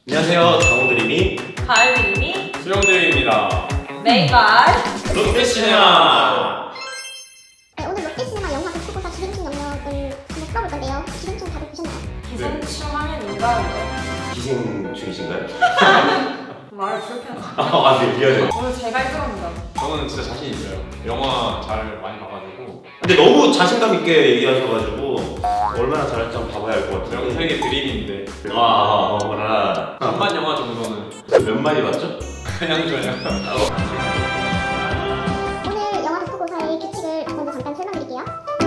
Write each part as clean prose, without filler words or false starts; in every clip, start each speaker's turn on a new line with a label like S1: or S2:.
S1: 안녕하세요. 장호드림이
S2: 가을님이
S3: 수영드림입니다.
S2: 메이발
S1: 롯데시네마.
S4: 네, 오늘 롯데시네마 영화 독후고사 기생충 영역을 한번 풀어볼 건데요. 기생충 다들 보셨나요?
S2: 기생충 하면 인가요?
S1: 기생충이신가요?
S2: 말을 그렇게 하지.
S1: 아, 네, 미안해요.
S2: 오늘 제가 1등합니다.
S3: 저는 진짜 자신 있어요. 영화 잘 많이 봐가지고
S1: 근데 너무 자신감 있게 얘기하셔가지고 얼마나 잘할지 한번 봐봐야 알 것 같아요.
S3: 명색의 드림인데
S1: 어머나.
S3: 한만 영화 정도는
S1: 몇 마디 맞죠?
S3: 그냥 줘요.
S4: 오늘 영화 독후고사의 규칙을 먼저 잠깐 설명드릴게요.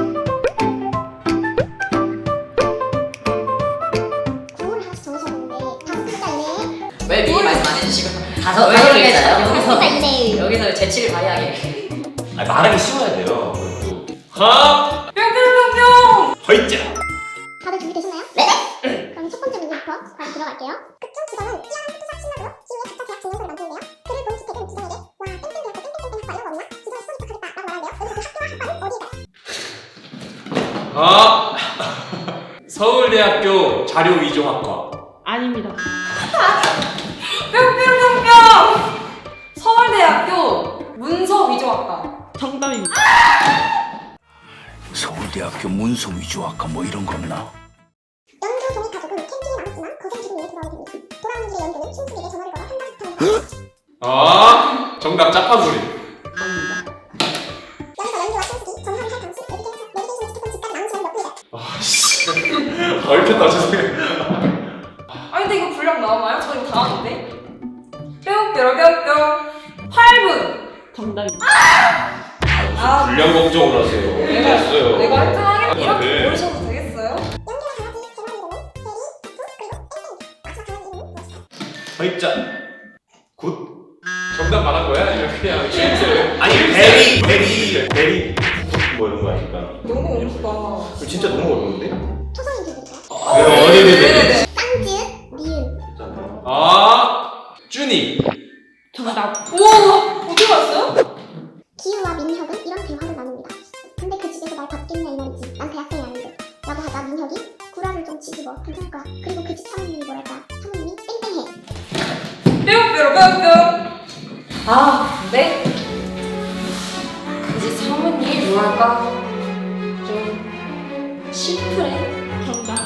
S4: 구호를 하나씩 정하셔야 되는데 5글자 이내에
S5: 왜 미리 말씀 안 해주시고 다섯
S4: 왜
S5: 개
S4: 여기서
S5: 여기서
S4: 이내에
S5: 여기서 재치를 발휘하게.
S1: 아니, 말하기 쉬워야 돼요. 그것도.
S3: 하!
S2: 뿅뿅뿅뿅!
S1: 허이짜.
S4: 다들 준비되셨나요? 네! 그럼 첫 번째 문제부터 바로 들어갈게요. 극중 주제는 뛰어난 포토샵 신나고요. 기후에 각자 대학 증명서를 만드는데요. 글을 본 주택은 주장에게 와 땡땡 대학교 땡땡땡 학과 이런 거 없나? 지도에 써있도록 하겠다 라고 말하는데요. 여기서 그 학교와 학과는 어디일까요?
S3: 아! 서울대학교 자료위조학과.
S2: 아닙니다. 뿅뿅뿅뿅! 서울대학교 문서위조학과. 정답입니다.
S6: 서울대학교 문서위조학과 뭐 이런 거 없나?
S4: 연두 종이 가족은 캠핑에 남았지만 거센 기분 위해 돌아오게 됩니다. 돌아오는 길에 연두는 친구에게 전화를 걸어 한마디 부탁을
S3: 아! 정답 짜파구리.
S2: 아닙니다.
S4: 여기서 연두와 친구들이 전화를 할 당시 내비게이션을 지켰던 집까지 남은 시간이 몇 분이래요?
S3: 아씨. 얼핏다 죄송해요.
S2: 아 근데 이거 분량 나오나요? 저 이거 다 아는데? 뿅뿅뿅뿅 8분! 정답입니다. 아,
S1: 불량 걱정을 하세요. 됐어요.
S2: 내가 1등 하겠 이렇게
S3: 네.
S2: 모르셔도 되겠어요?
S4: 연두와 강아지 세 마리 이름은 대리, 두, 그리고 땡땡. 마지막 강아지 이름은 무엇일까요?
S1: 허이짜. 굿.
S3: 정답 말한 거야? 아니면 그냥 힌트?
S1: 아니, 베리. 뭐 이런 거 아닐까?
S2: 너무 어렵다.
S1: 진짜 너무 어려운데?
S4: 초성인 드릴까요?
S1: 네네네.
S4: 쌍지읒, 니은.
S3: 아! 쭈니.
S2: 정답. 우와! 어떻게 봤어요?
S4: 기우와 민혁은 이런 대화를 나눕니다. 근데 그 집에서 날 받겠냐 이 말이지. 난 대학생이 아닌데. 라고 하자 민혁이 구라를 좀 치지 뭐 괜찮을 거야. 그리고 그 집 사모님이 뭐랄까. 사모님이 땡땡해.
S2: 뿅뿅뿅뿅 아 근데 그지 사모님이 뭐랄까 좀 심플해. 정답.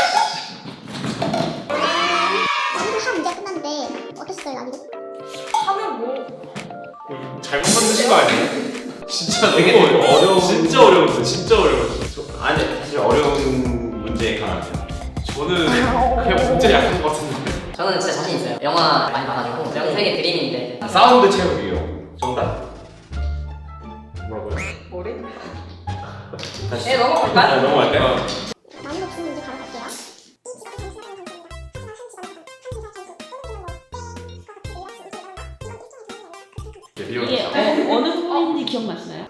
S4: 나도 한 문제가 끝났는데 어땠어요 나도?
S2: 하면 뭐
S3: 잘못 만드신 거 아니에요? 진짜
S1: 되게
S3: 너무 어려워.
S1: 어려운-
S3: 진짜 어려웠어. 진짜 어려웠어.
S1: 아니, 사실 어려운 문제에 강하죠.
S3: 저는 그냥 문제 약한 것 같은데.
S5: 저는 진짜 자신 있어요. 영화 많이 봐가지고 명색의 드림인데
S1: 사운드 채우기요. 정답.
S3: 뭐라고요?
S2: 뭐래?
S1: 다시.
S2: 네 넘어갈까?
S1: 아, 넘어갈까요?
S4: 난이도 준 문제 바로 갈게요. 이 집안은 단순하다는 감정입니다. 하지만 한 집안은 한 회사 전수 또는 그냥 뭐 땡과 같이 내려치 이런 일이 일어난다. 이건 일종의 개념이야.
S3: 네,
S2: 이게 어느 부분인지 기억나시나요?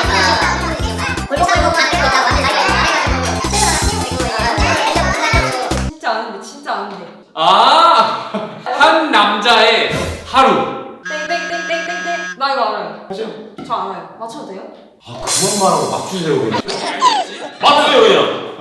S2: 진짜 아는데 진짜 아는데
S3: 아! 한 남자의 하루.
S2: 땡땡땡땡땡땡 나 이거 알아요.
S3: 하죠.
S2: 저 알아요. 맞춰도 돼요?
S1: 아, 그만 말하고 맞추세요, 그냥. 맞추세요, 그냥.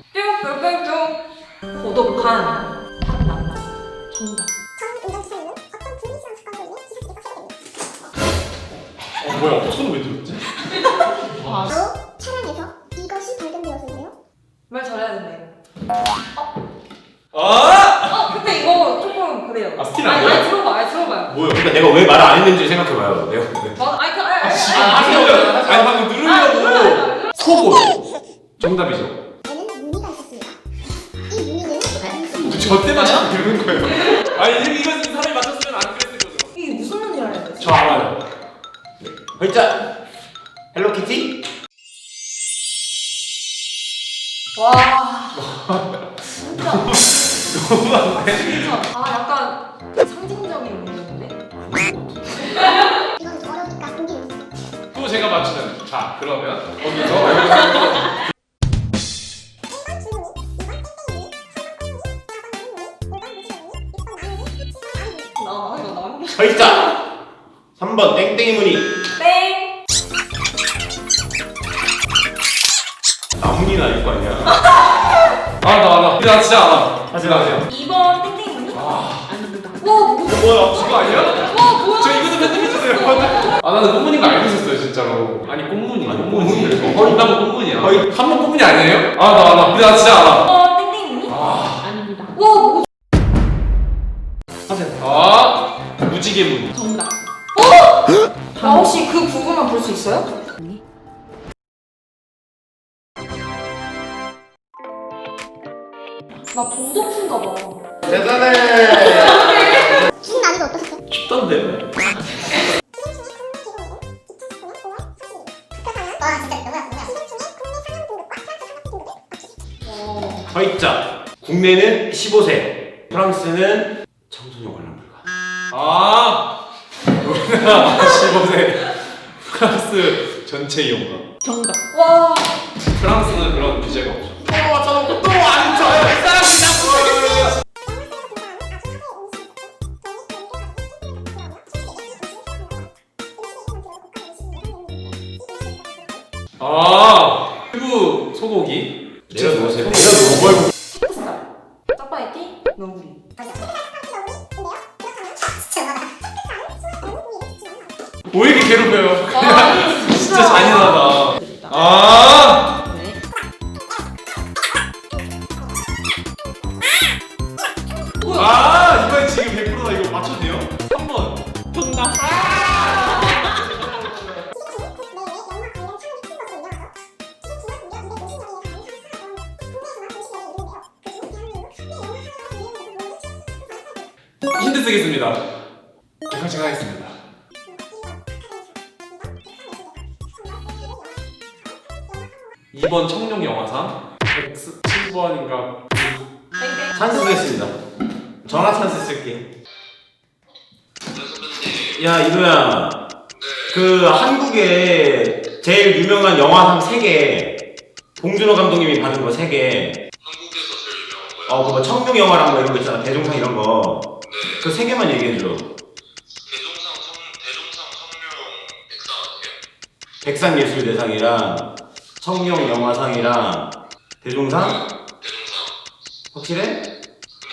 S2: 뿅뿅뿅뿅 고독한 한 남자. 정답.
S4: 전 운전기사님은 어떤 불미스러운 습관으로 인해 기사직에서 해고됩니다.
S3: 뭐야? 손 왜 들었지?
S2: 아,
S4: 바로 차량에서 이것이 발견되었는데요.
S2: 말 잘해야 된다 이거.
S3: 아!
S2: 근데 이거 조금 그래요.
S3: 아, 스틸
S2: 아니,
S3: 아니에요?
S2: 아니 들어봐요 들어봐요.
S3: 뭐야?
S1: 그러니까 내가 왜 말을 안 했는지 생각해봐요. 내가 왜.
S2: 아니 그 아니
S3: 아니 방금 누르려고 속옷. 정답이죠.
S4: 에는 무늬가 있었습니다. 이 무늬는
S3: 저 때만 참 들는 거예요. 아니 이건 사람이 맞췄으면 안 그랬을 거죠.
S2: 이게 무슨 논리를 해야 돼?
S3: 저 알아요.
S1: 허이짜. 헬로키티?
S2: 와 진짜 진짜 아 약간 상징적인 문제인데.
S4: 이건 좀 어려우니까 공개 주세요.
S3: 또 제가 맞추면 자 그러면 거기서
S4: 1번 줄무늬, 2번 땡땡무늬, 3번 콩무늬, 4번 무늬, 5번 무지무늬, 6번 나무무늬, 7번 나무무늬.
S2: 나 이거 나무.
S1: 허이짜. 3번 땡땡이 무늬.
S2: 땡.
S1: 나무니나 알 거 아니야.
S3: 나 진짜 알아.
S1: 하세요.
S2: 2번 땡땡이 무늬?
S3: 아 뭐야 그거 아니야?
S2: 뭐야?
S3: 저 이것도 편집해주세요. 아 나는 꽃무늬인 거 알고 있었어요 진짜로. 아니 꽃무늬. 꽃무늬. 거의 다 꽃무늬야. 거의 한번 꽃무늬 아니에요? 나 알아. 근데 나 진짜 알아.
S2: 땡땡이니?
S7: 아닙니다.
S2: 와,
S3: 무지개 무늬.
S7: 정답.
S2: 나 혹시 그 부분만 볼 수 있어요? 나 봉독수인가 봐.
S1: 대단해.
S4: 긴 난이도 어떠셨어요?
S1: 쉽던데.
S4: 와 진짜 너무나
S1: 허이자. 국내는 15세. 프랑스는 청소년 관람 불가.
S3: 우리나라 15세 프랑스 전체 이용가.
S7: 정답.
S2: 와,
S3: 프랑스는 그런 규제가 없죠. 맞춰놓고 또안 쳐요. 이 사람이 일부 소고기.
S1: 내가 누구세요?
S2: 햇살. 짜파게티, 너구리.
S3: 왜 이렇게 괴롭혀요?
S2: 아,
S3: 진짜 잔인하다.
S7: 네.
S3: 이번에 지금 100%다. 이거 맞춰도 돼요? 3번.
S7: 정답.
S3: 힌트 쓰겠습니다. 제가 하겠습니다. 이번 청룡 영화상 107번인가
S2: 땡땡.
S1: 찬스 쓰겠습니다. 전화 찬스 쓸게. 야 이도야. 그 한국의 제일 유명한 영화상 3개. 봉준호 감독님이 받은 거 3개.
S8: 한국에서 제일 유명한 거요?
S1: 그뭐 청룡 영화랑 뭐 이런 거 있잖아. 대종상 이런 거. 그 3개만 얘기해줘.
S8: 대종상 청룡 백상 아세요?
S1: 백상예술대상이랑 청룡 영화상이랑 대종상?
S8: 대종상.
S1: 확실해?
S8: 근데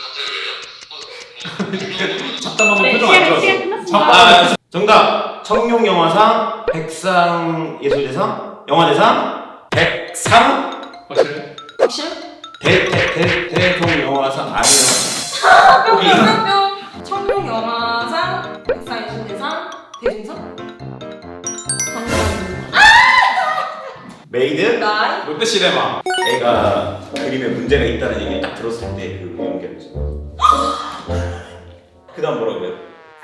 S8: 갑자기 왜요?
S3: 잡담하면 표정 안
S7: 시간
S3: 좋았어.
S7: 끝났습니다.
S1: 정답! 청룡 영화상, 백상예술대상, 영화대상, 백상,
S3: 확실해?
S2: 확실?
S1: 대통 영화상 아니요.
S2: 뿅, 뿅. 청룡 영화상, 백상예술대상, 대중상?
S7: 정답입니다.
S1: 메이드?
S2: 나이?
S3: 롯데시네마.
S1: 애가 그림에 문제가 있다는 얘기를 딱 들었을 때 그 연기였지. 그 다음 뭐라 그래요?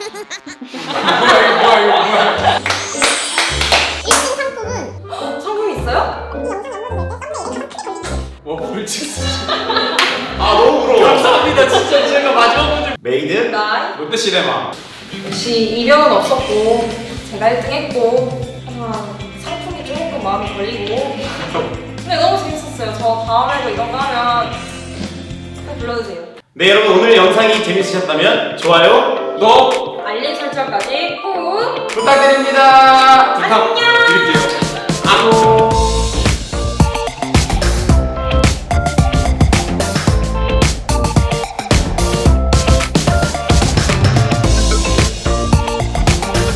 S3: 뭐야.
S4: 1등 상품은
S2: 상품 있어요?
S4: 이 영상 업로드 될때 썸네일에 크게 걸리는
S3: 와 벌칙 진짜.
S1: 너무 부러워.
S3: 감사합니다. 진짜 제가 마지막 문제.
S1: 메이드?
S2: 나이?
S3: 롯데시네마.
S2: 역시 이변은 없었고 제가 1등 했고 하지만 상품이 조금 마음이 걸리고 근데 너무 재밌었어요. 저 다음에도 이런 거 하면 꼭 불러주세요.
S1: 네 여러분 오늘 영상이 재밌으셨다면 좋아요
S3: 너
S2: 알림 설정까지 꾹
S1: 부탁드립니다.
S3: 부탁드릴게요.
S1: 안녕.